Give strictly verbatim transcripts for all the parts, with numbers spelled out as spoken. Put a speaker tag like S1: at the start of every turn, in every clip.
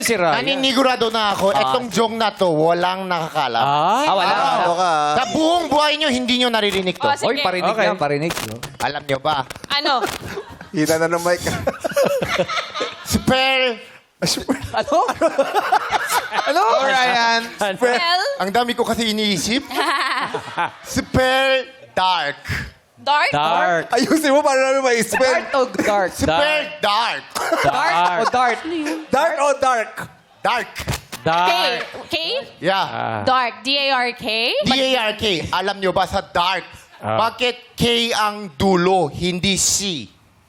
S1: Si Ryan.
S2: Naninigurado na ako, etong jong na to, walang nakakalam.
S1: Ay,
S3: Ah, wala.
S4: Ano ka?
S2: Sa buong buhay nyo, hindi nyo naririnig to.
S5: Oh, sige.
S1: Oy, parinig
S3: Okay.
S1: yan, parinig. No?
S2: Alam nyo ba?
S5: Ano?
S4: Hita na ng mic.
S2: Spell.
S1: Ano?
S4: Ano? Ryan.
S5: Well,
S2: Ang dami ko kasi iniisip. Spell dark.
S5: dark?
S1: Dark.
S4: Ayusin mo para namin ma-spell.
S3: Dark o dark?
S2: Spell dark.
S1: Dark.
S3: O dark?
S4: Dark o dark?
S2: Dark.
S5: K?
S1: Dark.
S5: K?
S2: Yeah.
S1: Ah.
S5: Dark. D A R K?
S2: D A R K. Alam nyo ba sa dark?
S1: Ah.
S2: Bakit K ang dulo, hindi C?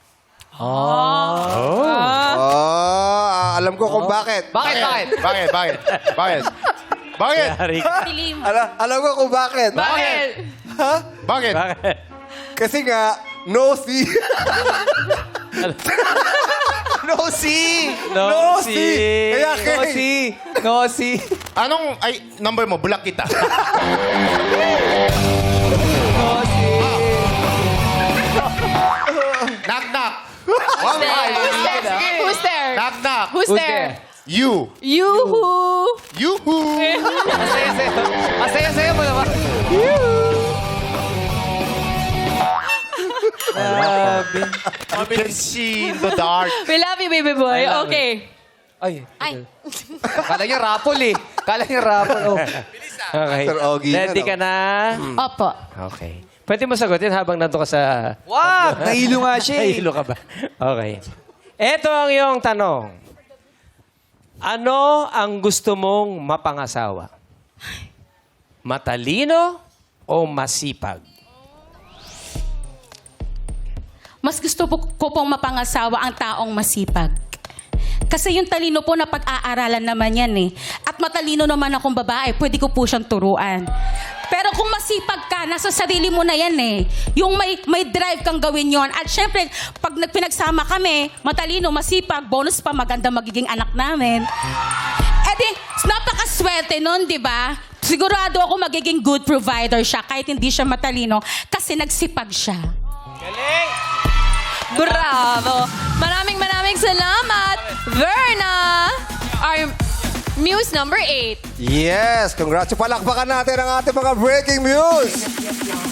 S4: Oh, ah, alam ko kung bakit.
S3: Bakit, bakit?
S2: Bakit? Bakit? Bakit? Bakit?
S1: Yari.
S5: Dilim.
S4: Alam, alam ko kung bakit.
S5: Bakit?
S2: Bakit?
S1: Bakit?
S4: Kasi nga, no see. no see.
S1: No,
S4: No
S1: si.
S4: see. Kaya K.
S3: No si. No si.
S2: Anong, ay, number mo, bulak kita.
S3: No si.
S2: Knock, knock.
S5: Who's there? Who's there?
S2: Knock, knock.
S5: Who's
S3: Who's
S5: there?
S2: You.
S5: Yoo-hoo!
S2: Yoo-hoo.
S3: Asaya-saya. Asaya-saya mo naman. Grabe.
S2: You can see in the dark.
S5: We love you, baby boy.
S1: I love
S5: Okay.
S3: Ay.
S5: Ay.
S3: Kala niya rapol eh. Kala niya rapol. Oh.
S1: Okay.
S4: Sir Ogie,
S1: Ready
S4: ano?
S1: ka na?
S5: Opo.
S1: Okay. Pwede mo sagutin habang nandun ka sa...
S3: Wag! Nahilo nga siya eh.
S1: Nahilo ka ba? Okay. Ito ang iyong tanong. Ano ang gusto mong mapangasawa? Matalino o masipag?
S6: Mas gusto po, ko pong mapangasawa ang taong masipag. Kasi yung talino po na pag-aaralan naman yan eh. At matalino naman akong babae, pwede ko po siyang turuan. Pero kung masipag ka, nasa sarili mo na yan eh. Yung may, may drive kang gawin yon. At syempre, pag nagpinagsama kami, matalino, masipag, bonus pa, maganda magiging anak namin. Eh di, napakaswerte nun, di ba? Sigurado ako magiging good provider siya kahit hindi siya matalino kasi nagsipag siya.
S5: Bravo! Maraming maraming salamat, Verna! Our muse number eight.
S4: Yes, congrats. Palakpakan natin ang ating mga breaking news.